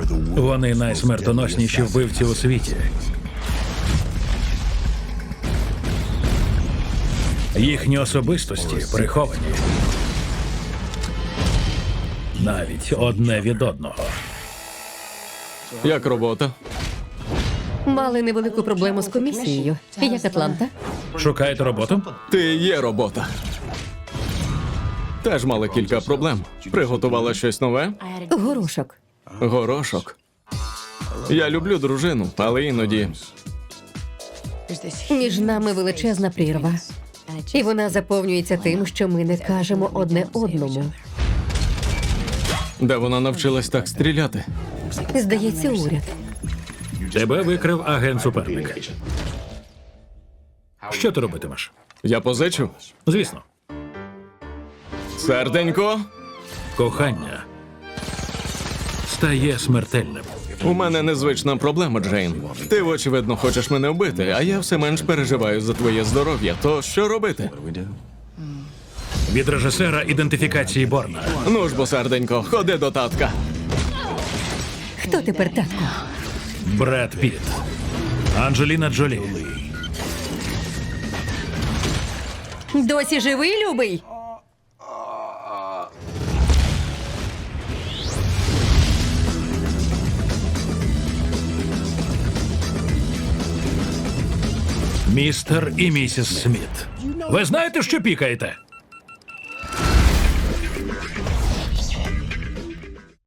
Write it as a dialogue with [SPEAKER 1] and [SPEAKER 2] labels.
[SPEAKER 1] Вони найсмертоносніші вбивці у світі. Їхні особистості приховані. Навіть одне від одного.
[SPEAKER 2] Як робота?
[SPEAKER 3] Мали невелику проблему з комісією. Як Атланта?
[SPEAKER 1] Шукаєте роботу?
[SPEAKER 2] Ти є робота. Теж мали кілька проблем. Приготувала щось нове?
[SPEAKER 3] Горошок.
[SPEAKER 2] Горошок. Я люблю дружину, але іноді
[SPEAKER 3] Між нами величезна прірва. І вона заповнюється тим, що ми не кажемо одне одному.
[SPEAKER 2] де вона навчилась так стріляти.
[SPEAKER 3] Здається, уряд.
[SPEAKER 1] Тебе викрив агент-суперник. Що ти робитимеш?
[SPEAKER 2] Я позичу?
[SPEAKER 1] Звісно,
[SPEAKER 2] Серденько,
[SPEAKER 1] кохання стає смертельним.
[SPEAKER 2] у мене незвична проблема, Джейн. Ти, очевидно, хочеш мене вбити, а я все менш переживаю за твоє здоров'я. То що робити?
[SPEAKER 1] Від режисера ідентифікації Борна.
[SPEAKER 2] Ну ж бо, серденько, ходи до татка.
[SPEAKER 3] Хто тепер татко?
[SPEAKER 1] Бред Піт. Анджеліна Джолі.
[SPEAKER 3] Досі живий, любий?
[SPEAKER 1] Містер і місіс Сміт. Ви знаєте, що пікаєте?